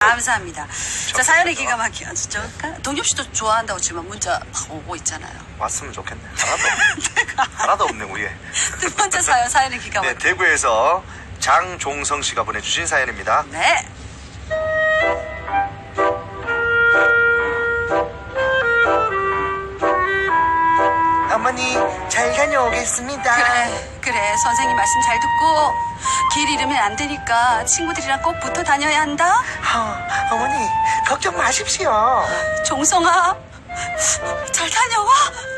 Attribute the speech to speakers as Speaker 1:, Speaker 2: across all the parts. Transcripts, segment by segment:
Speaker 1: 감사합니다. 자, 사연이 기가 막히죠. 진짜 동엽 씨도 좋아한다고 지금 문자 막 오고 있잖아요.
Speaker 2: 왔으면 좋겠네. 하나도 없네 우리에.
Speaker 1: 두 번째 사연이 기가 막히죠.
Speaker 2: 네, 대구에서 장종성 씨가 보내주신 사연입니다.
Speaker 1: 네.
Speaker 2: 어머니 잘 다녀오겠습니다.
Speaker 1: 그래 선생님 말씀 잘 듣고 길 잃으면 안 되니까 친구들이랑 꼭 붙어 다녀야 한다.
Speaker 2: 어머니 걱정 마십시오.
Speaker 1: 종성아 잘 다녀와.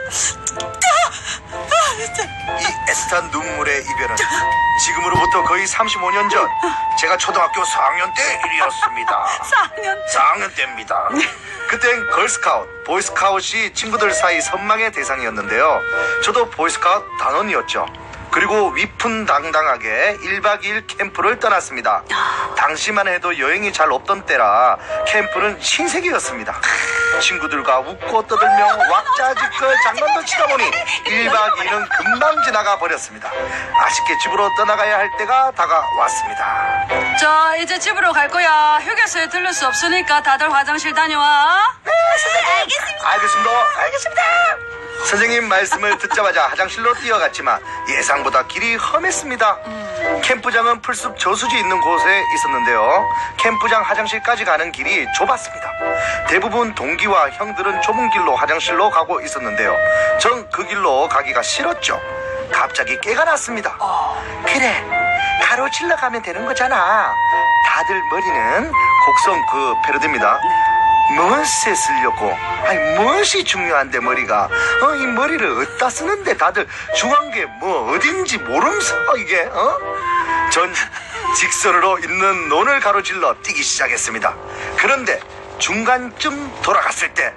Speaker 2: 이 애틋한 눈물의 이별은 지금으로부터 거의 35년 전 제가 초등학교 4학년 때 일이었습니다. 4학년 때입니다. 그땐 걸스카우트, 보이스카우트이 친구들 사이 선망의 대상이었는데요. 저도 보이스카우트 단원이었죠. 그리고 위풍당당하게 1박 2일 캠프를 떠났습니다. 당시만 해도 여행이 잘 없던 때라 캠프는 신세계였습니다. 친구들과 웃고 떠들며 왁자지껄 장난도 치다 보니 1박 2일은 금방 지나가 버렸습니다. 아쉽게 집으로 떠나가야 할 때가 다가왔습니다.
Speaker 1: 자 이제 집으로 갈 거야. 휴게소에 들를 수 없으니까 다들 화장실 다녀와.
Speaker 2: 네, 선생님. 알겠습니다. 선생님 말씀을 듣자마자 화장실로 뛰어갔지만 예상보다 길이 험했습니다. 캠프장은 풀숲 저수지 있는 곳에 있었는데요. 캠프장 화장실까지 가는 길이 좁았습니다. 대부분 동기와 형들은 좁은 길로 화장실로 가고 있었는데요. 전 그 길로 가기가 싫었죠. 갑자기 깨가 났습니다. 그래, 가로질러 가면 되는 거잖아. 다들 머리는 곡성 그 패러디입니다. 무엇에 쓰려고? 아니 무엇이 중요한데 머리가? 이 머리를 어디다 쓰는데 다들 중요한 게 뭐 어딘지 모르면서 이게 전 직선으로 있는 논을 가로질러 뛰기 시작했습니다. 그런데 중간쯤 돌아갔을 때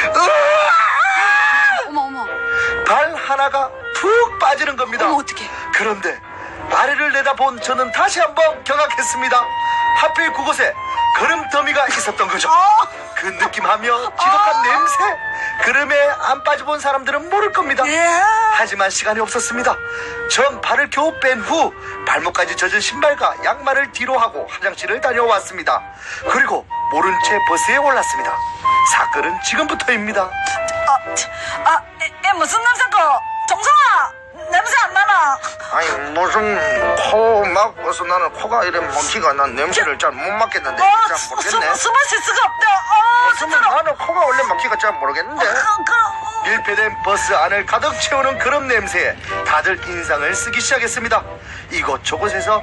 Speaker 1: 어머
Speaker 2: 발 하나가 푹 빠지는 겁니다.
Speaker 1: 어머 어떡해.
Speaker 2: 그런데 아래를 내다본 저는 다시 한번 경악했습니다. 하필 그곳에 거름더미가 있었던 거죠. 그 느낌하며 지독한 냄새. 그름에 안 빠져본 사람들은 모를 겁니다. 하지만 시간이 없었습니다. 전 발을 겨우 뺀 후 발목까지 젖은 신발과 양말을 뒤로 하고 화장실을 다녀왔습니다. 그리고 모른 채 버스에 올랐습니다. 사건은 지금부터입니다.
Speaker 1: 무슨 냄새고? 정성아 냄새 안 나나?
Speaker 2: 아니 무슨 코 막어서 나는 코가 이래 막히가 난 냄새를 잘 못 맡겠는데 잘 모르겠네.
Speaker 1: 숨을 쉴 수가 없다.
Speaker 2: 무슨 나는 코가 원래 막히가 잘 모르겠는데. 밀폐된 버스 안을 가득 채우는 그런 냄새에 다들 인상을 쓰기 시작했습니다. 이곳저곳에서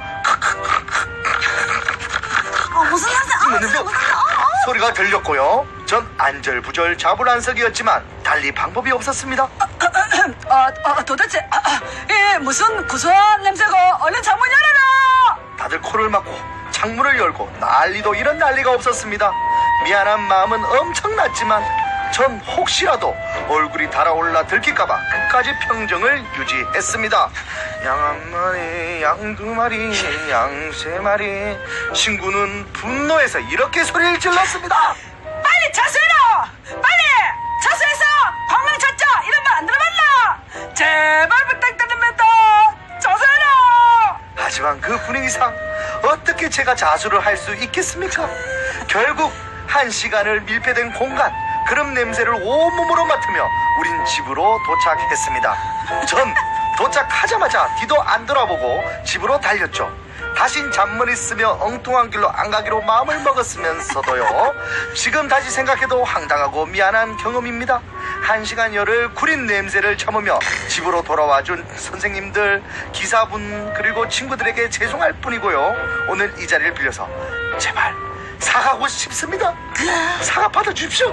Speaker 1: 무슨 냄새?
Speaker 2: 소리가 들렸고요. 전 안절부절 자불안석이었지만 달리 방법이 없었습니다.
Speaker 1: 도대체 이게 무슨 구수한 냄새고? 얼른 창문 열어라.
Speaker 2: 다들 코를 막고 창문을 열고 난리도 이런 난리가 없었습니다. 미안한 마음은 엄청났지만 전 혹시라도 얼굴이 달아올라 들킬까봐 끝까지 평정을 유지했습니다. 양 한 마리, 양 두 마리, 양 세 마리. 친구는 분노해서 이렇게 소리를 질렀습니다.
Speaker 1: 빨리 자수해라. 빨리 자수해서 광명 찾자. 이런 말 안 들어봤나? 제발 부탁드립니다. 자수해라.
Speaker 2: 하지만 그 분위기상 어떻게 제가 자수를 할 수 있겠습니까? 결국 1시간을 밀폐된 공간, 그런 냄새를 온몸으로 맡으며 우린 집으로 도착했습니다. 전 도착하자마자 뒤도 안 돌아보고 집으로 달렸죠. 다신 잔머리 쓰며 엉뚱한 길로 안 가기로 마음을 먹었으면서도요. 지금 다시 생각해도 황당하고 미안한 경험입니다. 1시간 열을 구린 냄새를 참으며 집으로 돌아와준 선생님들, 기사분, 그리고 친구들에게 죄송할 뿐이고요. 오늘 이 자리를 빌려서 제발 사과하고 싶습니다. 사과 받아주십시오.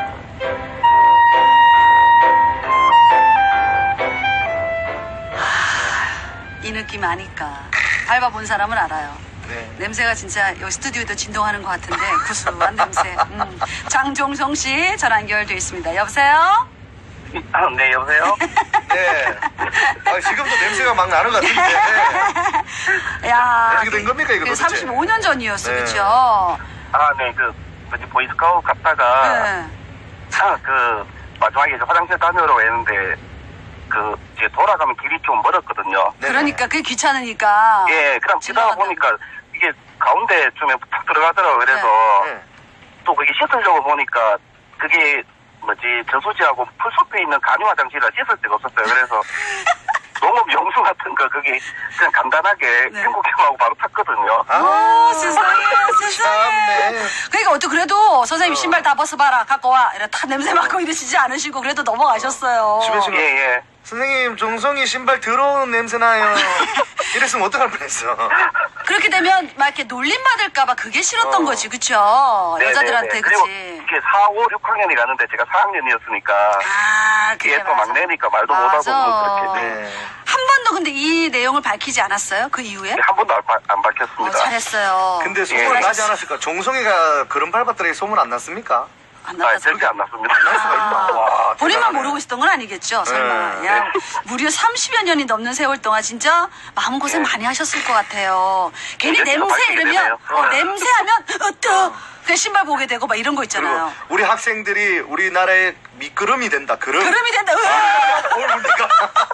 Speaker 1: 이 느낌 아니까 밟아본 사람은 알아요.
Speaker 2: 네.
Speaker 1: 냄새가 진짜 여기 스튜디오도 진동하는 것 같은데 구수한 냄새. 장종성 씨 전화 연결돼 있습니다. 여보세요?
Speaker 3: 네, 여보세요?
Speaker 2: 네. 지금도 냄새가 막 나는 것 같은데.
Speaker 1: 야,
Speaker 2: 어떻게 된 겁니까, 이거 도대체?
Speaker 1: 35년 전이었어,
Speaker 2: 네.
Speaker 1: 그쵸?
Speaker 3: 네, 뭐지, 보이스카우트 갔다가,
Speaker 1: 네.
Speaker 3: 마지막에 이제 화장실 다녀오라고 했는데, 이제 돌아가면 길이 좀 멀었거든요.
Speaker 2: 네.
Speaker 1: 그러니까 그게 귀찮으니까.
Speaker 3: 예, 그냥 지나가
Speaker 1: 지나간다고.
Speaker 3: 보니까, 이게 가운데쯤에 탁 들어가더라고요. 그래서
Speaker 2: 네.
Speaker 3: 또 그게 씻으려고 보니까 그게 뭐지 저수지하고 풀숲에 있는 간이 화장실이라 씻을 데가 없었어요. 그래서 농업 용수 같은 거 그게 그냥 간단하게
Speaker 1: 네.
Speaker 3: 행복해하고 바로 탔거든요.
Speaker 1: 오, 세상에, 세상에.
Speaker 2: 참네.
Speaker 1: 그러니까 어떻게 그래도 선생님 신발 다 벗어봐라, 갖고 와. 이래 다 냄새 맡고 이러시지 않으시고 그래도 넘어가셨어요.
Speaker 2: 집에 지금
Speaker 3: 예.
Speaker 2: 선생님 종성이 신발 더러운 냄새 나요. 이랬으면 어떡할 뻔했어.
Speaker 1: 그렇게 되면 막 이렇게 놀림받을까봐 그게 싫었던 거지, 그쵸?
Speaker 3: 네네네.
Speaker 1: 여자들한테,
Speaker 3: 그리고
Speaker 1: 그치?
Speaker 3: 이게 4, 5, 6학년이 가는데 제가 4학년이었으니까
Speaker 1: 아, 그래.
Speaker 3: 얘 또
Speaker 1: 맞아.
Speaker 3: 막내니까 말도
Speaker 1: 맞아.
Speaker 3: 못하고 그렇게
Speaker 2: 네.
Speaker 1: 한 번도 근데 이 내용을 밝히지 않았어요? 그 이후에?
Speaker 3: 한 번도 안 밝혔습니다.
Speaker 1: 잘했어요.
Speaker 2: 근데 소문
Speaker 3: 예.
Speaker 2: 나지 않았을까? 종성이가 그런 밟았더니 소문 안 났습니까?
Speaker 1: 안
Speaker 3: 아,
Speaker 1: 났다.
Speaker 3: 절대 안 났습니다.
Speaker 2: 날 수가 있나? 와,
Speaker 1: 본인만
Speaker 2: 대단하네.
Speaker 1: 모르고 있었던 건 아니겠죠, 설마.
Speaker 2: 네.
Speaker 1: 야, 무려 30여 년이 넘는 세월 동안 진짜 마음고생
Speaker 3: 네.
Speaker 1: 많이 하셨을 것 같아요. 괜히
Speaker 3: 이제
Speaker 1: 냄새
Speaker 3: 밝히게
Speaker 1: 이러면,
Speaker 3: 되네요.
Speaker 1: 냄새하면, 그 신발 보게 되고 막 이런 거
Speaker 2: 그리고
Speaker 1: 있잖아요.
Speaker 2: 우리 학생들이 우리나라의 미끄럼이 된다. 그럼.
Speaker 1: 그럼이 된다. 으아!
Speaker 2: 뭘 내가.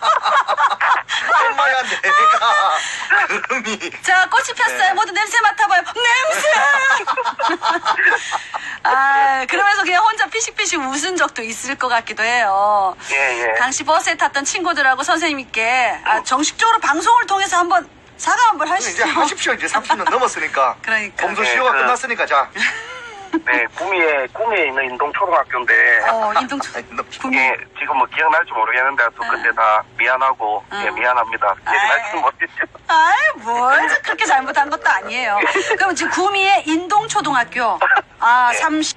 Speaker 2: 엄마야 내가. 그럼이.
Speaker 1: 자, 꽃이 폈어요.
Speaker 2: 네.
Speaker 1: 모두 냄새 맡아봐요. 냄새! 아, 그러면서 그냥 혼자 피식피식 웃은 적도 있을 것 같기도 해요.
Speaker 3: 예.
Speaker 1: 당시 버스에 탔던 친구들하고 선생님께 정식적으로 방송을 통해서 한번 사과 한번 하시죠.
Speaker 2: 이제 하십시오. 이제 30년 넘었으니까.
Speaker 1: 그러니까.
Speaker 2: 검소
Speaker 3: 네,
Speaker 2: 시효가
Speaker 3: 그-
Speaker 2: 끝났으니까 자.
Speaker 3: 네, 구미에 있는 인동초등학교인데
Speaker 1: 인동초. 구미.
Speaker 3: 예, 지금 뭐 기억날지 모르겠는데 또 그때 다 미안하고 예, 미안합니다. 기억날지 모르겠죠.
Speaker 1: 아이, 뭘 그렇게 잘못한 것도 아니에요. 그럼 지금 구미의 인동초등학교,
Speaker 3: 네.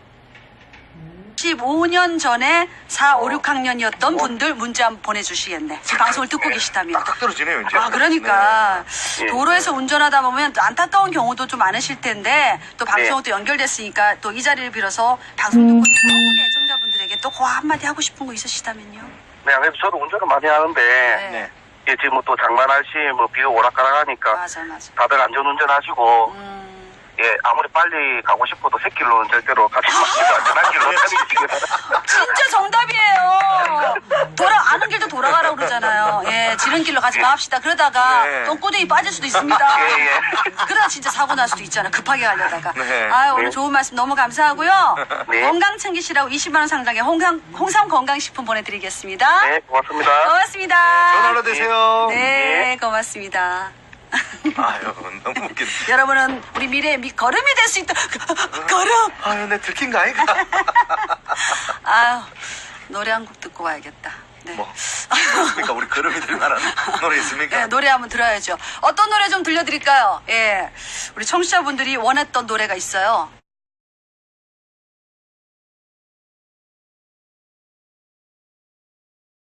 Speaker 1: 35년 전에 4, 5, 6학년이었던 분들 문제 한번 보내주시겠네. 지금 방송을 듣고 계시다면.
Speaker 2: 딱 떨어지네요 이제.
Speaker 1: 아, 그러니까.
Speaker 3: 네.
Speaker 1: 도로에서 운전하다 보면 또 안타까운 경우도 좀 많으실 텐데, 또 방송도
Speaker 3: 네.
Speaker 1: 연결됐으니까 또 이 자리를 빌어서 방송 듣고 있는 전국의 애청자분들에게 또 그 한마디 하고 싶은 거 있으시다면요.
Speaker 3: 네, 그래서 저도 운전을 많이 하는데
Speaker 2: 네.
Speaker 3: 예, 지금 또 장마날씨 뭐 비가 오락가락하니까
Speaker 1: 맞아.
Speaker 3: 다들 안전운전하시고 예, 아무리 빨리 가고 싶어도 새길로는 절대로 가지 마시고 안전한 길로 다니시기 바랍니다.
Speaker 1: 진짜 정답이에요. 아는 길도 돌아가라고 그러잖아요. 예, 지름길로 가지 맙시다. 그러다가
Speaker 2: 네.
Speaker 1: 똥구덩이 빠질 수도 있습니다.
Speaker 3: 예.
Speaker 1: 그러다 진짜 사고 날 수도 있잖아. 급하게 가려다가.
Speaker 2: 네.
Speaker 1: 아유, 오늘
Speaker 3: 네.
Speaker 1: 좋은 말씀 너무 감사하고요.
Speaker 3: 네.
Speaker 1: 건강 챙기시라고 20만 원 상당의 홍삼 건강식품 보내드리겠습니다.
Speaker 3: 네, 고맙습니다.
Speaker 1: 고맙습니다.
Speaker 2: 전화로 되세요.
Speaker 1: 네, 고맙습니다.
Speaker 2: 아유 너무 웃긴다.
Speaker 1: 여러분은 우리 미래의 걸음이 될 수 있다. 걸음.
Speaker 2: 아유 내 들킨 거 아이가?
Speaker 1: 아유, 노래 한 곡 듣고 와야겠다. 네.
Speaker 2: 뭐 있습니까? 우리 걸음이 될 만한 노래 있습니까?
Speaker 1: 네, 노래 한번 들어야죠. 어떤 노래 좀 들려드릴까요? 예. 우리 청취자분들이 원했던 노래가 있어요.